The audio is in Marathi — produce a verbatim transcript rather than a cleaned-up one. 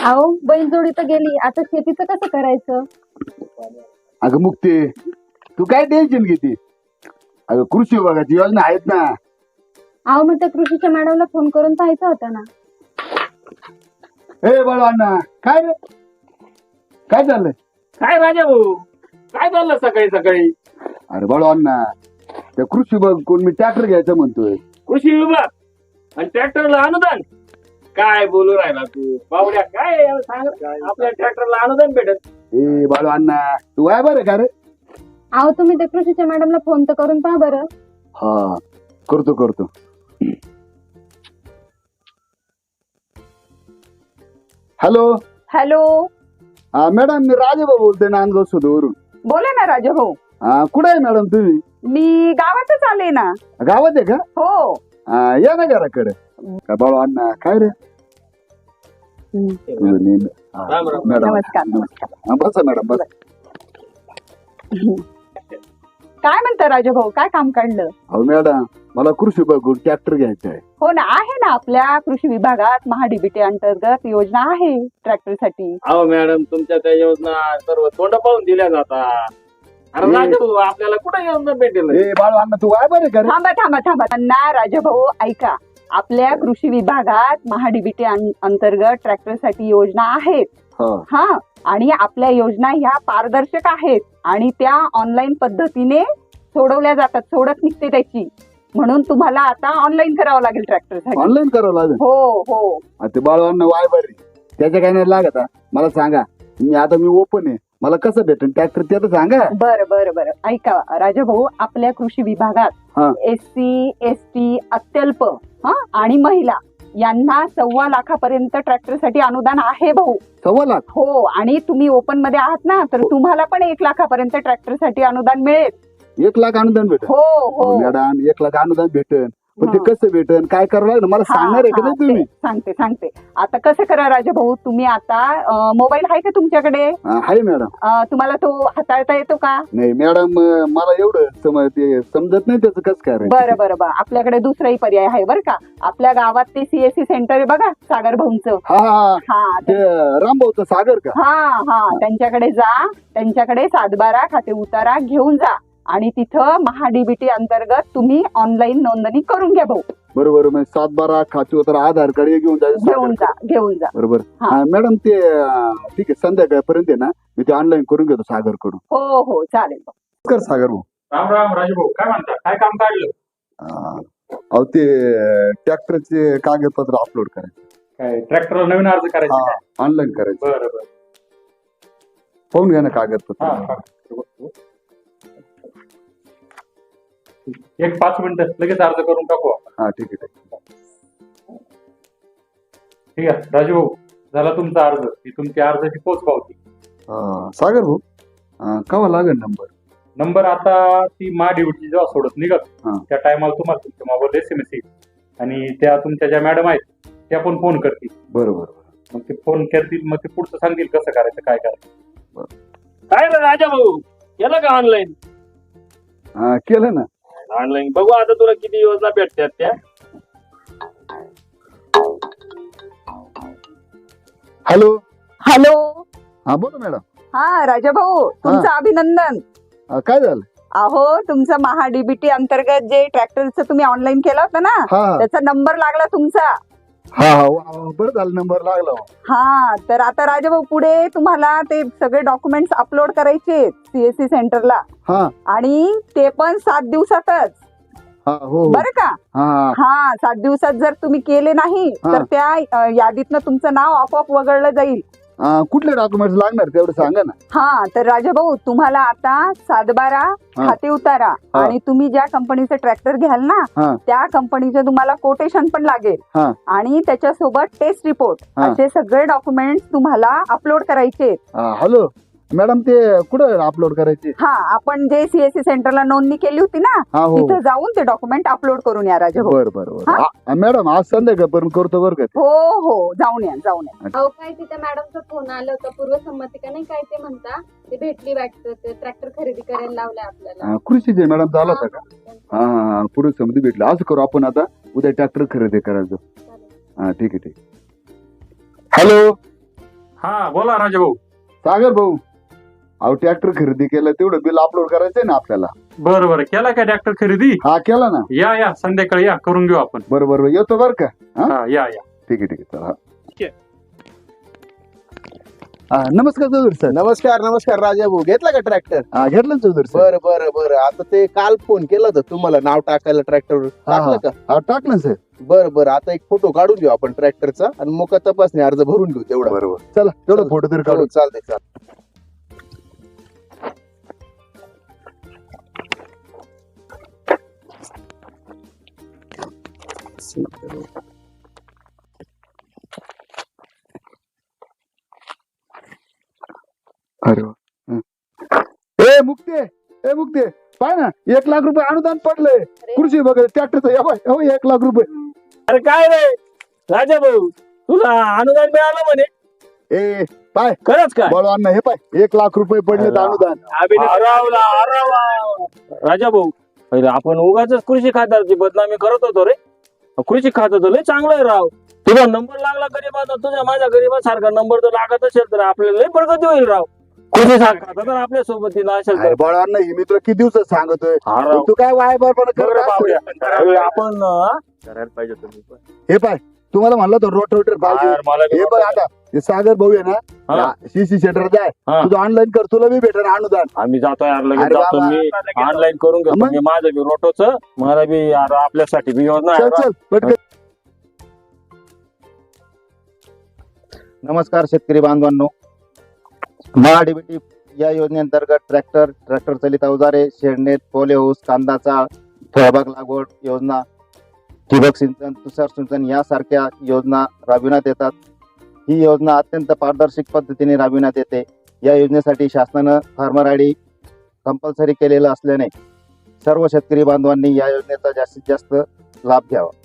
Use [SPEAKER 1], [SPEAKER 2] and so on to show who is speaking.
[SPEAKER 1] अहो बैलजोडी तर गेली, आता शेतीचं कसं करायचं?
[SPEAKER 2] अगं मुक्ती, तू काय टेन्शन घेते? अगं कृषी विभागाची योजना आहेत ना.
[SPEAKER 1] अहो मग त्या कृषीच्या मॅडमला फोन करून पाहायचं होतं ना.
[SPEAKER 2] ए बाळू अण्णा, काय रे काय चाललंय?
[SPEAKER 3] काय राजा भाऊ, काय चाललं सकाळी सकाळी?
[SPEAKER 2] अरे बाळू अण्णा, त्या कृषी विभाग कोण मी ट्रॅक्टर घ्यायचं म्हणतोय.
[SPEAKER 3] कृषी विभाग आणि ट्रॅक्टरला अनुदान? काय बोलू राहिला तू बावड्या? काय आहे याला सांग, आपल्या ट्रॅक्टरला अनुदान भेटत?
[SPEAKER 2] ए बाळू अण्णा, तू आहे बरं का रे?
[SPEAKER 1] अहो तुम्ही त्या कृषीच्या मॅडमला फोन तर करून पहा बरं.
[SPEAKER 2] हा करतो करतो. हॅलो
[SPEAKER 4] हॅलो,
[SPEAKER 2] हा मॅडम, मी राजेबा बोलतोय नांदगाव सुधवरून.
[SPEAKER 4] बोला ना राजा भाऊ.
[SPEAKER 2] हा कुठे आहे मॅडम तुम्ही?
[SPEAKER 4] मी गावातच आले ना.
[SPEAKER 2] गावात आहे का?
[SPEAKER 4] हो.
[SPEAKER 2] हा, या ना घराकडे. काय बाळू अण्णा, काय रे? हा,
[SPEAKER 3] राम राम.
[SPEAKER 2] मॅडम
[SPEAKER 4] नमस्कार नमस्कार.
[SPEAKER 2] हा, बसा मॅडम बसा.
[SPEAKER 4] काय म्हणता राजा भाऊ, काय काम काढलं?
[SPEAKER 2] हो मॅडम, मला कृषी विभागाकडून ट्रॅक्टर घ्यायचा आहे.
[SPEAKER 4] हो ना, आहे ना, आपल्या कृषी विभागात महाडीबीटी अंतर्गत योजना आहे ट्रॅक्टर साठी.
[SPEAKER 3] अहो मॅडम, तुमच्या त्या योजना सर्व तोंड पाहून दिल्या जातात. अरे
[SPEAKER 2] ए.
[SPEAKER 3] राजा भाऊ, आपल्याला कुठे योजना भेटेल?
[SPEAKER 2] ए बाळू अण्णा, तू आहे बरं का रे?
[SPEAKER 4] थांबा थांबा थांबा त्यांना राजा भाऊ ऐका, आपल्या कृषी विभागात महाडीबीटी अंतर्गत ट्रॅक्टर साठी योजना आहेत.
[SPEAKER 2] हा.
[SPEAKER 4] हा, आणि आपल्या योजना ह्या पारदर्शक आहेत आणि त्या ऑनलाईन पद्धतीने सोडवल्या जातात, सोडत निघते त्याची. म्हणून तुम्हाला आता ऑनलाईन करावं लागेल ट्रॅक्टर साठी.
[SPEAKER 2] ऑनलाईन करावं लागेल.
[SPEAKER 4] हो हो.
[SPEAKER 2] हा, ते बाळू अण्णा वाय बरे, त्याच्या काय नाही लागत हा. मला सांगा, मी आता मी ओपन आहे, मला कसं भेटेल ट्रॅक्टर ते तर सांगा.
[SPEAKER 4] बरं बरं बरं ऐका राजा भाऊ, आपल्या कृषी
[SPEAKER 2] हा.
[SPEAKER 4] विभागात एस सी एस टी अत्यल्प हा आणि महिला यांना सव्वा लाखापर्यंत ट्रॅक्टर साठी अनुदान आहे भाऊ.
[SPEAKER 2] सव्वा लाख?
[SPEAKER 4] हो, आणि तुम्ही ओपन मध्ये आहात ना, तर तुम्हाला पण एक लाखापर्यंत ट्रॅक्टर साठी अनुदान मिळेल.
[SPEAKER 2] एक लाख अनुदान भेटेल?
[SPEAKER 4] हो हो.
[SPEAKER 2] मॅडम, एक लाख अनुदान भेटेल, पण ते
[SPEAKER 4] हा.
[SPEAKER 2] कसं भेटेल, काय करावं लागेल मला
[SPEAKER 4] हा,
[SPEAKER 2] सांगणार आहे का
[SPEAKER 4] हा,
[SPEAKER 2] नाही तुम्ही?
[SPEAKER 4] ते सांगते सांगते आता कसं करा राजा भाऊ, तुम्ही आता मोबाईल आहे का तुमच्याकडे?
[SPEAKER 2] हा, आहे मॅडम.
[SPEAKER 4] अं, तुम्हाला तो हाताळता येतो का?
[SPEAKER 2] नाही मॅडम, मला एवढं सम ते समजत नाही त्याचं कसं काय.
[SPEAKER 4] बरं बरं बरं आपल्याकडे दुसराही पर्याय आहे बरं का. आपल्या गावात ते सीएससी सेंटर आहे बघा, सागर भाऊंचं.
[SPEAKER 2] हा हा,
[SPEAKER 4] हा
[SPEAKER 2] ते रामभाऊचं सागर का?
[SPEAKER 4] हा हा त्यांच्याकडे जा, त्यांच्याकडे सातबारा खाते उतारा घेऊन जा आणि तिथं महाडीबीटी अंतर्गत तुम्ही ऑनलाईन नोंदणी करून घ्या भाऊ.
[SPEAKER 2] बरोबर, मग सात बारा खाते होतं, आधार कार्ड हे घेऊन जायचं.
[SPEAKER 4] घेऊन जा घेऊन जा.
[SPEAKER 2] बरोबर.
[SPEAKER 4] हा.
[SPEAKER 2] हा, मॅडम ते अं, ठीक आहे, संध्याकाळपर्यंत आहे ना, मी ते ऑनलाईन करून घेतो सागर कडून.
[SPEAKER 4] हो हो चालेल.
[SPEAKER 2] कर सागर भाऊ.
[SPEAKER 3] राम राम राजू भाऊ, काय म्हणता? काय काम काढलं?
[SPEAKER 2] अं, अहो ते ट्रॅक्टरचे कागदपत्र अपलोड करायचे.
[SPEAKER 3] काय ट्रॅक्टरला नवीन अर्ज करायचा?
[SPEAKER 2] हा, ऑनलाईन करायचं.
[SPEAKER 3] बरं बरं.
[SPEAKER 2] पाहून घ्या ना कागदपत्र.
[SPEAKER 3] हा, हा. एक पाच मिनिटं लगेच अर्ज करून टाकू आपण.
[SPEAKER 2] हा ठीक आहे ठीक आहे.
[SPEAKER 3] ठीक आहे राजू भाऊ, झाला तुमचा अर्ज. ही तुमची अर्जाची पोच पावती.
[SPEAKER 2] अं, सागर भाऊ, अं, केव्हा लागेल नंबर?
[SPEAKER 3] नंबर आता ती मा ड्युटी जेव्हा सोडत निघत
[SPEAKER 2] हा.
[SPEAKER 3] त्या टायमाला तुम्हाला तुमच्या मोबाईल एस एम एस येईल आणि त्या तुमच्या ज्या मॅडम आहेत त्या पण फोन करतील.
[SPEAKER 2] बरोबर.
[SPEAKER 3] मग ते फोन करतील, मग ते पुढचं सांगतील कसं करायचं काय करायचं.
[SPEAKER 2] बरं.
[SPEAKER 3] काय रे राजा भाऊ, केलं का ऑनलाईन?
[SPEAKER 2] हा, केलं ना.
[SPEAKER 3] ऑनलाईन बघू आता तुला किती योजना भेटतात त्या.
[SPEAKER 2] हॅलो.
[SPEAKER 4] हॅलो.
[SPEAKER 2] हा बोला मॅडम.
[SPEAKER 4] हा राजा भाऊ, तुमचं अभिनंदन.
[SPEAKER 2] अं, काय झालं?
[SPEAKER 4] अहो तुमचं महाडीबीटी अंतर्गत जे ट्रॅक्टरचं तुम्ही ऑनलाईन केलं होतं ना,
[SPEAKER 2] हा
[SPEAKER 4] त्याचा नंबर लागला तुमचा.
[SPEAKER 2] हा हा वा, वा, बरं झालं नंबर लागला.
[SPEAKER 4] हा, तर आता राजाभाऊ पुढे तुम्हाला ते सगळे डॉक्युमेंट्स अपलोड करायचे सीएससी सेंटरला,
[SPEAKER 2] हा
[SPEAKER 4] आणि ते पण सात दिवसातच.
[SPEAKER 2] हा हो हो.
[SPEAKER 4] बरं का?
[SPEAKER 2] हा हा.
[SPEAKER 4] हा, सात दिवसात जर तुम्ही केले नाही
[SPEAKER 2] हा.
[SPEAKER 4] तर त्या अ, यादीतनं तुमचं नाव आपोआप वगळलं जाईल.
[SPEAKER 2] अं, कुठले डॉक्युमेंट्स लागणार तेवढं सांगा ना.
[SPEAKER 4] हा, तर राजाभाऊ तुम्हाला आता सातबारा
[SPEAKER 2] हा.
[SPEAKER 4] खाते उतारा
[SPEAKER 2] हा.
[SPEAKER 4] आणि तुम्ही ज्या कंपनीचं ट्रॅक्टर घ्याल ना,
[SPEAKER 2] हा
[SPEAKER 4] त्या कंपनीचं तुम्हाला कोटेशन पण लागेल
[SPEAKER 2] हा
[SPEAKER 4] आणि त्याच्यासोबत टेस्ट रिपोर्ट,
[SPEAKER 2] हा.
[SPEAKER 4] असे सगळे डॉक्युमेंट्स तुम्हाला अपलोड करायचे.
[SPEAKER 2] हा, हॅलो मॅडम, ते कुठं अपलोड करायचे?
[SPEAKER 4] हा, आपण जे सीएससी सेंटरला नोंदणी केली होती ना,
[SPEAKER 2] हा हो.
[SPEAKER 4] तिथं जाऊन ते डॉक्युमेंट अपलोड करून या राजाभाऊ.
[SPEAKER 2] बर बर बर. आ, मॅडम आज संध्याकाळपर्यंत करतो बरं का.
[SPEAKER 4] हो हो, जाऊन या जाऊन या.
[SPEAKER 1] अहो काय तिथे मॅडमचा फोन आला होता, पूर्वसंमती का नाही काय ते म्हणता, ते भेटली वाटतं, ते ट्रॅक्टर खरेदी करायला लावलंय आपल्याला.
[SPEAKER 2] अं, कृषीचे मॅडम झाला होता का? हा हा हा, पूर्ण समिती भेटली. असं करू आपण आता, उद्या ट्रॅक्टर खरेदी करायचं. हा ठीक आहे ठीक. हॅलो.
[SPEAKER 3] हा बोला राजा भाऊ.
[SPEAKER 2] सागर भाऊ, अहो ट्रॅक्टर खरेदी केलं तेवढं बिल अपलोड करायचंय ना आपल्याला.
[SPEAKER 3] बरं बरं केला का ट्रॅक्टर खरेदी?
[SPEAKER 2] हा केला ना.
[SPEAKER 3] या या संध्याकाळी या करून घेऊ आपण.
[SPEAKER 2] बरं बरं येतो बरं का.
[SPEAKER 3] हा या या.
[SPEAKER 2] ठीक आहे ठीक आहे चला. हा, नमस्कार चौधरी सर.
[SPEAKER 5] नमस्कार नमस्कार राजा भाऊ, घेतला का ट्रॅक्टर?
[SPEAKER 2] हा घेतलं ना चौधरी सर.
[SPEAKER 5] बरं बरं बरं. आता ते काल फोन केला होता तुम्हाला नाव टाकायला ट्रॅक्टर टाकलं का?
[SPEAKER 2] हा टाकलं सर.
[SPEAKER 5] बरं बरं. आता एक फोटो काढून घेऊ आपण ट्रॅक्टरचा आणि मोका तपासणी अर्ज भरून घेऊ तेवढा.
[SPEAKER 2] बरोबर चला तेवढं फोटो तरी काढू.
[SPEAKER 5] हो, चालतंय चालतंय.
[SPEAKER 2] अरे वा. हं. ए मुक्ते ए मुक्ते पाय ना एक लाख रुपये अनुदान पडलंय कृषी वगैरे ट्रॅक्टरचं. या बाय हो एक लाख रुपये.
[SPEAKER 3] अरे काय रे राजा भाऊ, तुला अनुदान मिळालं म्हणे?
[SPEAKER 2] ए पाय
[SPEAKER 3] खरंच काय?
[SPEAKER 2] बोलवा ना हे पाय एक लाख रुपये पडले अनुदान.
[SPEAKER 3] अरावला, अरावा. राजा भाऊ, पहिले आपण उगाच कृषी खात्याची बदनामी करत होतो रे. कृषी खातं तर लय चांगलं आहे राव. तुझा नंबर लागला गरीबाचा, तुझ्या माझ्या गरीबासारखा नंबर जर लागत असेल तर आपल्याला लय प्रगती होईल राव. कृषी खातं तर आपल्या सोबतीला असेल तर.
[SPEAKER 2] बोलवा ना ही मी तुला किती दिवसात सांगतोय.
[SPEAKER 3] हा राव.
[SPEAKER 2] तू काय वाय बरोबर करत
[SPEAKER 3] बाबड्या.
[SPEAKER 2] असतो.
[SPEAKER 3] अरे आपण हा? करायला पाहिजे तुम्ही पण.
[SPEAKER 2] हे पाय तुम्हाला म्हणलं तर रोट रोटर पाहिजे.
[SPEAKER 3] यार, मला बी
[SPEAKER 2] हे बघ आता हे सागर भाऊ आहे
[SPEAKER 3] हा.
[SPEAKER 2] ना सीसी सेंटर जाय
[SPEAKER 3] हा.
[SPEAKER 2] तुझं ऑनलाईन कर तुला बी भेटेल अनुदान.
[SPEAKER 3] आम्ही जातो यार लगेच
[SPEAKER 2] अरे
[SPEAKER 3] जातो.
[SPEAKER 2] बाबा.
[SPEAKER 3] मी ऑनलाईन करून घेतो.
[SPEAKER 2] मग?
[SPEAKER 3] मी माझं बी रोटोच मला बी यार आपल्यासाठी बी योजना
[SPEAKER 2] चल
[SPEAKER 3] आहे.
[SPEAKER 2] चल पटकन.
[SPEAKER 6] नमस्कार शेतकरी बांधवांनो, महाडीबीटी या योजनेअंतर्गत ट्रॅक्टर, ट्रॅक्टर चलित अवजारे, शेडनेट, पोले हाऊस, कांदाचा फळबाग लागवड योजना, ठिबक सिंचन, तुषार सिंचन यासारख्या योजना राबविण्यात येतात. ही योजना अत्यंत पारदर्शक पद्धतीने राबविण्यात येते. या योजनेसाठी शासनानं फार्मर आय डी कंपल्सरी केलेलं असल्याने सर्व शेतकरी बांधवांनी या योजनेचा जास्तीत जास्त लाभ घ्यावा.